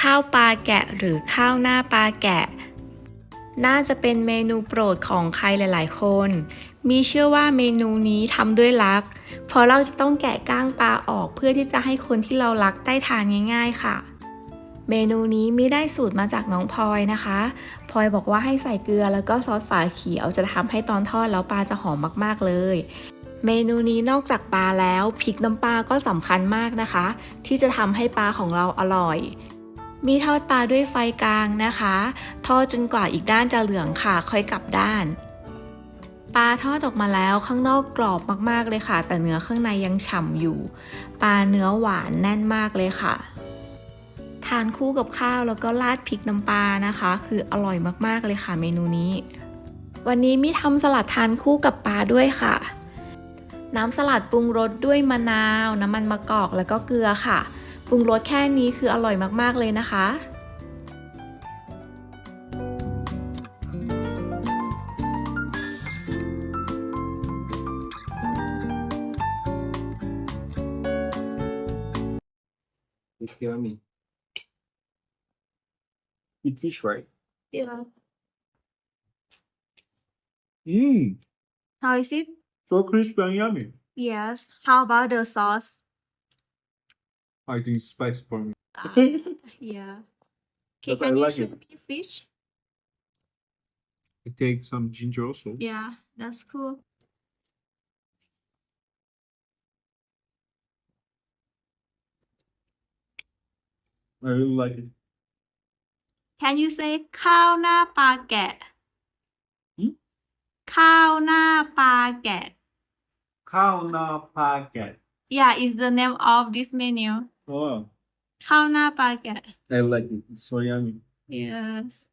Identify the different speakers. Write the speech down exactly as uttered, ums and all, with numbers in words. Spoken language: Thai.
Speaker 1: ข้าวปลาแกะหรือข้าวหน้าปลาแกะน่าจะเป็นเมนูโปรดของใครหลายๆคนมีเชื่อว่าเมนูนี้ทำด้วยรักเพราะเราจะต้องแกะก้างปลาออกเพื่อที่จะให้คนที่เรารักได้ทานง่ายๆค่ะเมนูนี้ไม่ได้สูตรมาจากน้องพลอยนะคะพลอยบอกว่าให้ใส่เกลือแล้วก็ซอสฝาเขียวจะทำให้ตอนทอดแล้วปลาจะหอมมากๆเลยเมนูนี้นอกจากปลาแล้วพริกน้ำปลาก็สำคัญมากนะคะที่จะทำให้ปลาของเราอร่อยมีทอดปลาด้วยไฟกลางนะคะทอดจนกว่าอีกด้านจะเหลืองค่ะค่อยกลับด้านปลาทอดออกมาแล้วข้างนอกกรอบมากๆเลยค่ะแต่เนื้อข้างในยังฉ่ำอยู่ปลาเนื้อหวานแน่นมากเลยค่ะทานคู่กับข้าวแล้วก็ราดพริกน้ำปลานะคะคืออร่อยมากๆเลยค่ะเมนูนี้วันนี้มีทำสลัดทานคู่กับปลาด้วยค่ะน้ำสลัดปรุงรสด้วยมะนาวน้ำมันมะกอกแล้วก็เกลือค่ะปรุงรสแค่นี้คืออร่อยมากๆเลยนะคะ
Speaker 2: You hear me? Eat fish, right?
Speaker 1: Yeah.
Speaker 2: Mmm,
Speaker 1: How is it?
Speaker 2: so crispy and yummy.
Speaker 1: Yes. How about the sauce?
Speaker 2: I think it's spicy for me.
Speaker 1: Yeah. Okay,
Speaker 2: But I
Speaker 1: can you
Speaker 2: like
Speaker 1: show
Speaker 2: it.
Speaker 1: me fish?
Speaker 2: I take some ginger also.
Speaker 1: Yeah, that's cool.
Speaker 2: I really like it.
Speaker 1: Can you say ข้าวหน้าปลาแกะ
Speaker 2: Hmm?
Speaker 1: ข้าวหน้าปลาแกะ
Speaker 2: Khao na packet.
Speaker 1: Yeah, is the name of this menu.
Speaker 2: Oh,
Speaker 1: ข้าวหน้าปลาแกะ
Speaker 2: I like it. It's so yummy.
Speaker 1: Yes.